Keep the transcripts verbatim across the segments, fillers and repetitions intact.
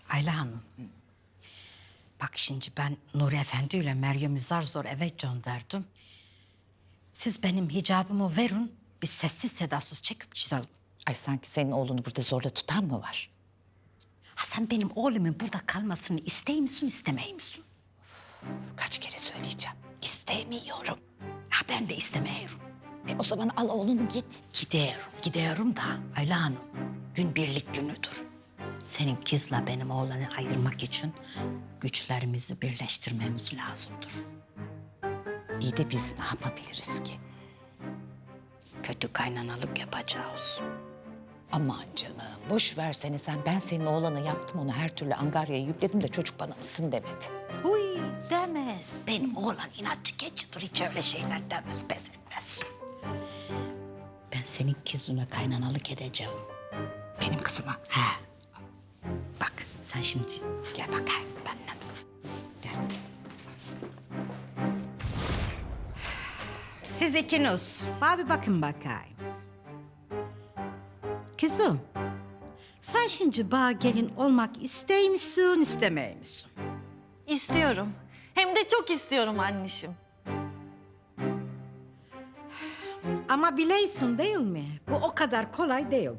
Ayla Hanım. Bak şimdi ben Nuri Efendi ile Meryem'i zar zor eve gönderdim. Siz benim hicabımı verin, biz sessiz sedasız çekip gidelim. Ay sanki senin oğlunu burada zorla tutan mı var? Ha sen benim oğlumun burada kalmasını istey misin, istemey misin? Kaç kere söyleyeceğim. İstemiyorum. Ha ben de istemiyorum. E o zaman al oğlunu git. Gidiyorum, gidiyorum da Ayla Hanım, gün birlik günüdür. Senin kızla benim oğlanı ayırmak için güçlerimizi birleştirmemiz lazımdır. İyi de biz ne yapabiliriz ki? Kötü kaynanalık yapacağız. Aman canım boş versene sen. Ben senin oğlana yaptım onu her türlü angaryaya yükledim de çocuk bana mısın demedi. Huy demez. Benim oğlan inatçı geçidir. Hiç öyle şeyler demez, pes etmez. Ben senin kızına kaynanalık edeceğim. Benim kızıma. He. Bak sen şimdi gel bakayım benimle. Gel. Siz ikiniz. Bana bir bakın bakayım. Kızım, sen şimdi bana gelin olmak istey misin, istemey misin? İstiyorum. Hem de çok istiyorum anneciğim. Ama bileysin değil mi? Bu o kadar kolay değil.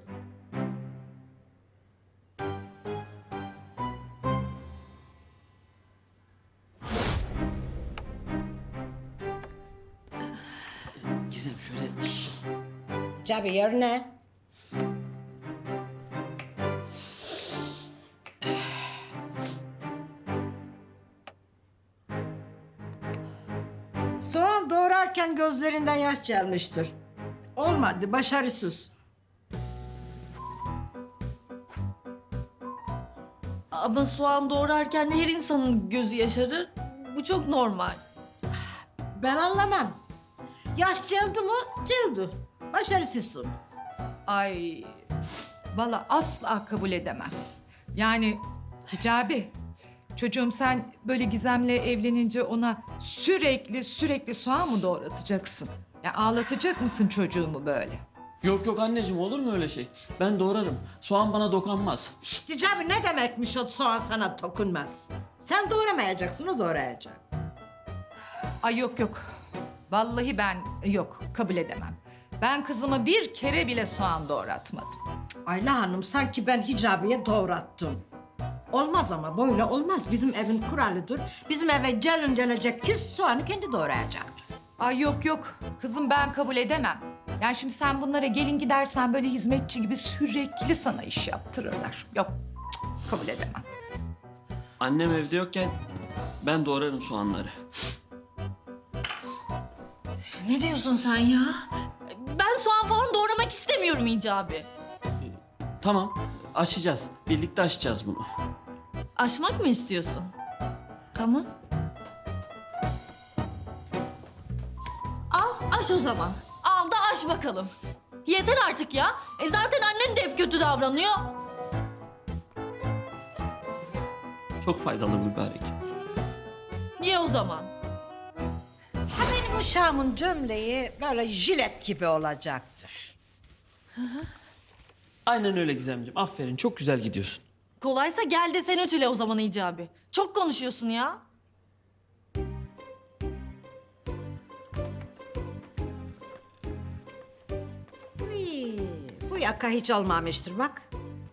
Gizem şöyle... Cabi yerine. Soğan doğrarken gözlerinden yaş gelmiştir. Olmadı, başarısız. Ama soğan doğrarken her insanın gözü yaşarır. Bu çok normal. Ben anlamam. Yaş geldi mi? Geldi. Başarısızsın. Ay, vallahi asla kabul edemem. Yani Hicabi, çocuğum sen böyle Gizem'le evlenince ona sürekli sürekli soğan mı doğratacaksın? Ya ağlatacak mısın çocuğumu böyle? Yok yok anneciğim, olur mu öyle şey? Ben doğrarım. Soğan bana dokanmaz. İşte Cabi ne demekmiş o soğan sana dokunmaz. Sen doğramayacaksın, o doğrayacak. Ay yok yok. Vallahi ben yok kabul edemem. Ben kızıma bir kere bile soğan doğratmadım. Ayla Hanım sanki ben hicabiye doğrattım. Olmaz ama böyle olmaz. Bizim evin kuralıdır. Bizim eve gelin gelecek kız soğanı kendi doğrayacaktır. Ay yok yok. Kızım ben kabul edemem. Yani şimdi sen bunlara gelin gidersen böyle hizmetçi gibi sürekli sana iş yaptırırlar. Yok cık, kabul edemem. Annem evde yokken ben doğrarım soğanları. Ne diyorsun sen ya? Ben soğan falan doğramak istemiyorum Hicabi. Tamam, aşacağız. Birlikte aşacağız bunu. Aşmak mı istiyorsun? Tamam. Al aş o zaman. Al da aş bakalım. Yeter artık ya. E zaten annen de hep kötü davranıyor. Çok faydalı mübarek. Niye o zaman? Ha benim uşağımın gömleği böyle jilet gibi olacaktır. Aynen öyle Gizemciğim. Aferin, çok güzel gidiyorsun. Kolaysa gel de sen ütüle o zaman Hicabi. Çok konuşuyorsun ya. Uy, bu yaka hiç olmamıştır bak.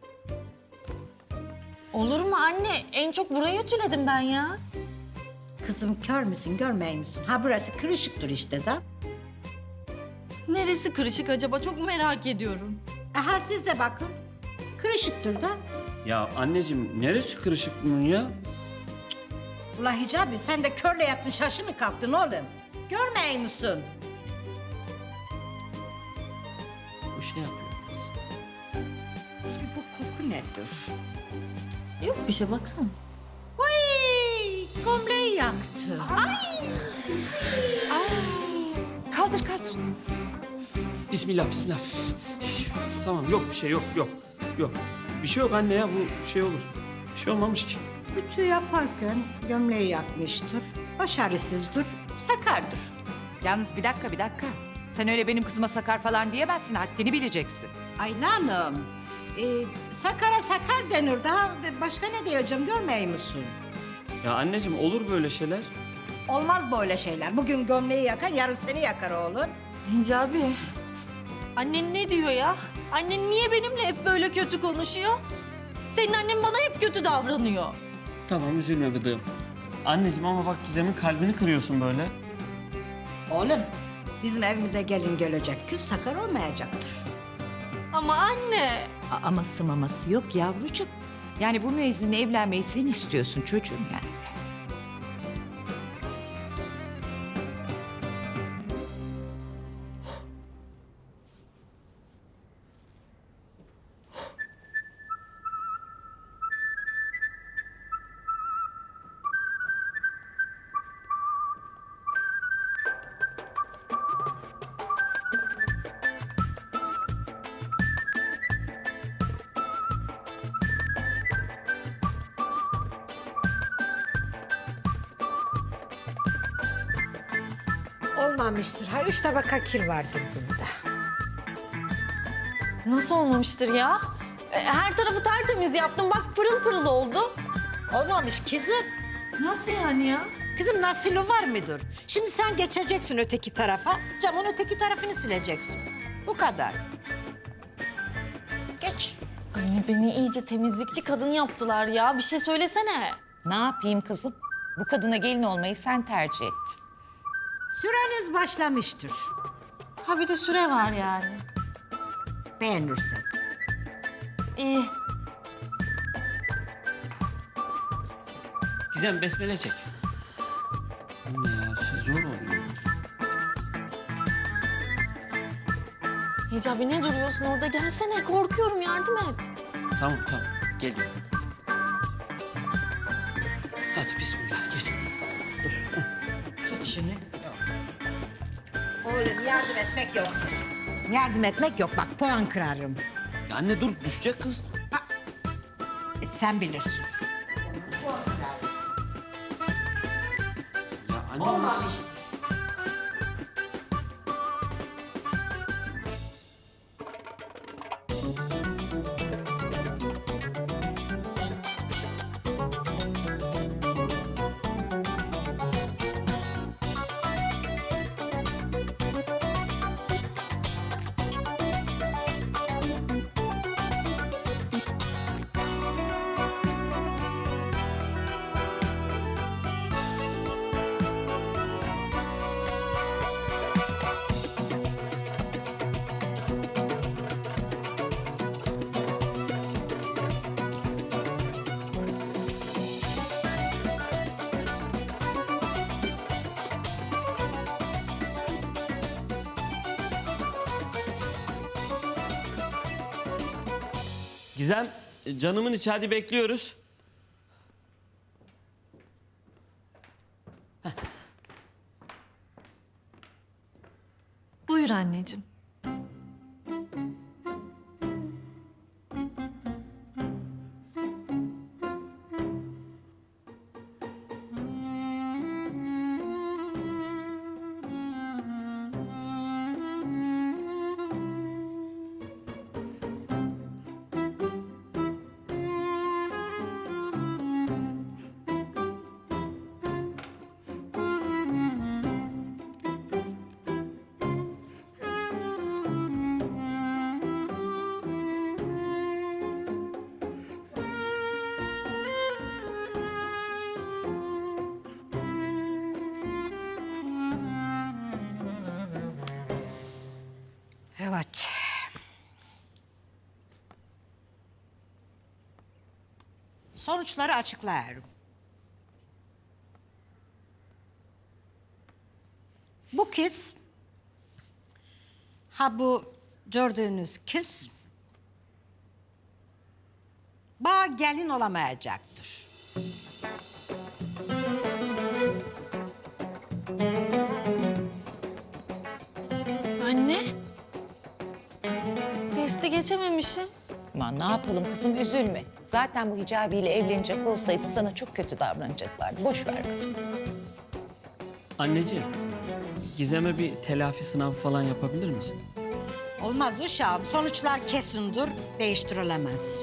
Olur mu anne? En çok burayı ütüledim ben ya. Kızım kör müsün, görmey misin? Ha burası kırışıktır işte da. Neresi kırışık acaba? Çok merak ediyorum. Aha siz de bakın. Kırışıktır da. Ya anneciğim, neresi kırışık bunun ya? Ula Hicabi sen de körle yattın şaşı mı kalktın oğlum? Görmey misin? Bu şey yapıyor biraz. Bu koku nedir? Yok bir şey baksana. Vay gömleği yaktı. Kaldır kaldır. Bismillah, bismillah. Şş, tamam, yok bir şey, yok, yok. Yok. Bir şey yok anne ya, bu şey olur. Bir şey olmamış ki. Ütü yaparken gömleği yakmıştır. Başarısızdır, sakardır. Yalnız bir dakika bir dakika. Sen öyle benim kızıma sakar falan diyemezsin. Haddini bileceksin. Ayla Hanım, Ee, sakara sakar denir. Daha başka ne diyeceğim görmüyor musun? Ya anneciğim olur böyle şeyler. Olmaz böyle şeyler. Bugün gömleği yakar, yarın seni yakar oğlum. Hicabi. Annen ne diyor ya? Annen niye benimle hep böyle kötü konuşuyor? Senin annen bana hep kötü davranıyor. Tamam üzülme bıdığım. Anneciğim ama bak Gizem'in kalbini kırıyorsun böyle. Oğlum, bizim evimize gelin gelecek kız sakar olmayacaktır. Ama anne. A- Aması maması yok yavrucuğum. Yani bu müezzinle evlenmeyi sen istiyorsun çocuğum yani. Olmamıştır. Ha üç tabaka kil vardır bunda. Nasıl olmamıştır ya? E, Her tarafı tertemiz yaptım. Bak pırıl pırıl oldu. Olmamış kızım. Nasıl yani ya? Kızım nasılı var mıdır? Şimdi sen geçeceksin öteki tarafa, camın öteki tarafını sileceksin. Bu kadar. Geç. Anne beni iyice temizlikçi kadın yaptılar ya. Bir şey söylesene. Ne yapayım kızım? Bu kadına gelin olmayı sen tercih ettin. Süreniz başlamıştır. Ha bir de süre var yani. Beğenirsen. İyi. Gizem besmele çek. Anne ya şey zor oluyor. Hicabi ne duruyorsun orada? Gelsene. Korkuyorum. Yardım et. Tamam tamam geliyorum. Hadi bismillah gel. Dur. Tut şunu. Oğlum yardım etmek yoktur. Yardım etmek yok. Bak puan kırarım. Ya anne dur düşecek kız. E, sen bilirsin. Ya anne. Olmamıştır. Gizem canımın içi hadi bekliyoruz. Buyur anneciğim. Evet. Sonuçları açıklıyorum. Bu kız, ha bu gördüğünüz kız, bağ gelin olamayacaktır. Anne. Testi geçememişim. Aman ne yapalım kızım üzülme. Zaten bu hicabiyle evlenecek olsaydı sana çok kötü davranacaklardı. Boş ver kızım. Anneciğim Gizem'e bir telafi sınavı falan yapabilir misin? Olmaz uşağım. Sonuçlar kesindir, değiştirilemez.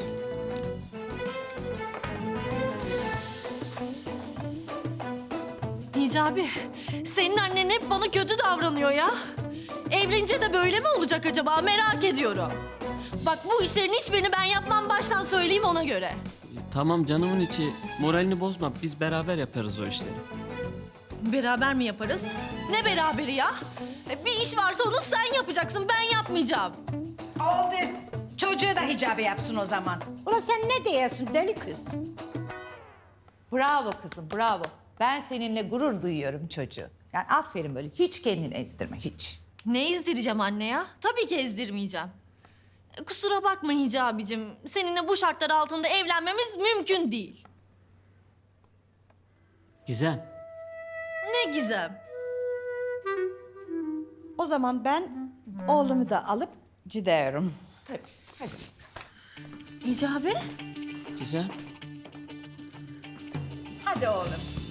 Hicabi, senin annen hep bana kötü davranıyor ya. Evlenince de böyle mi olacak acaba merak ediyorum. Bak bu işlerin hiçbirini ben yapmam baştan söyleyeyim ona göre. Tamam canımın içi. Moralini bozma. Biz beraber yaparız o işleri. Beraber mi yaparız? Ne beraberi ya? E, Bir iş varsa onu sen yapacaksın, ben yapmayacağım. Oldu. Çocuğu da hicabi yapsın o zaman. Ulan sen ne diyorsun deli kız? Bravo kızım, bravo. Ben seninle gurur duyuyorum çocuğu. Yani aferin böyle. Hiç kendini ezdirme, hiç. Ne ezdireceğim anne ya? Tabii ki ezdirmeyeceğim. E, Kusura bakma Hicabicim. Seninle bu şartlar altında evlenmemiz mümkün değil. Gizem. Ne gizem. O zaman ben oğlumu da alıp gidiyorum. Tabii, hadi. Hicabi? Gizem. Hadi oğlum.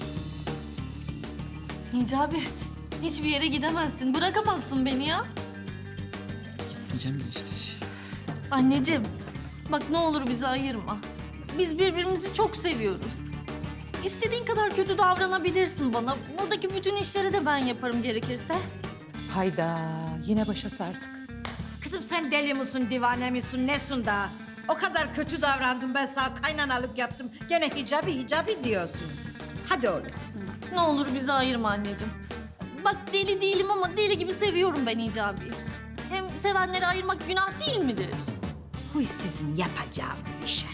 Hicabi, hiçbir yere gidemezsin. Bırakamazsın beni ya. Gitmeyeceğim de işte. Anneciğim, bak ne olur bizi ayırma. Biz birbirimizi çok seviyoruz. İstediğin kadar kötü davranabilirsin bana. Buradaki bütün işleri de ben yaparım gerekirse. Hayda, yine başa sardık. Kızım sen deli misin, divane misin, nesin daha? O kadar kötü davrandım ben sana, kaynanalık yaptım. Gene hicabi hicabi diyorsun. Hadi oğlum. Ne olur bizi ayırma anneciğim. Bak deli değilim ama deli gibi seviyorum ben Hicabi'yi. Hem sevenleri ayırmak günah değil midir? Bu iş sizin yapacağınız işe.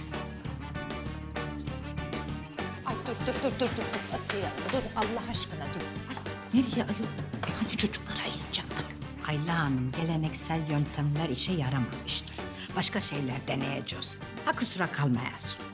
Ay dur, dur, dur, dur, dur, dur. Asiye, dur Allah aşkına dur. Ay, Nereye ayol? E hani çocukları ayıracaktık? Ayla Hanım, geleneksel yöntemler işe yaramamıştır. Başka şeyler deneyeceğiz. Ha kusura kalmayasın.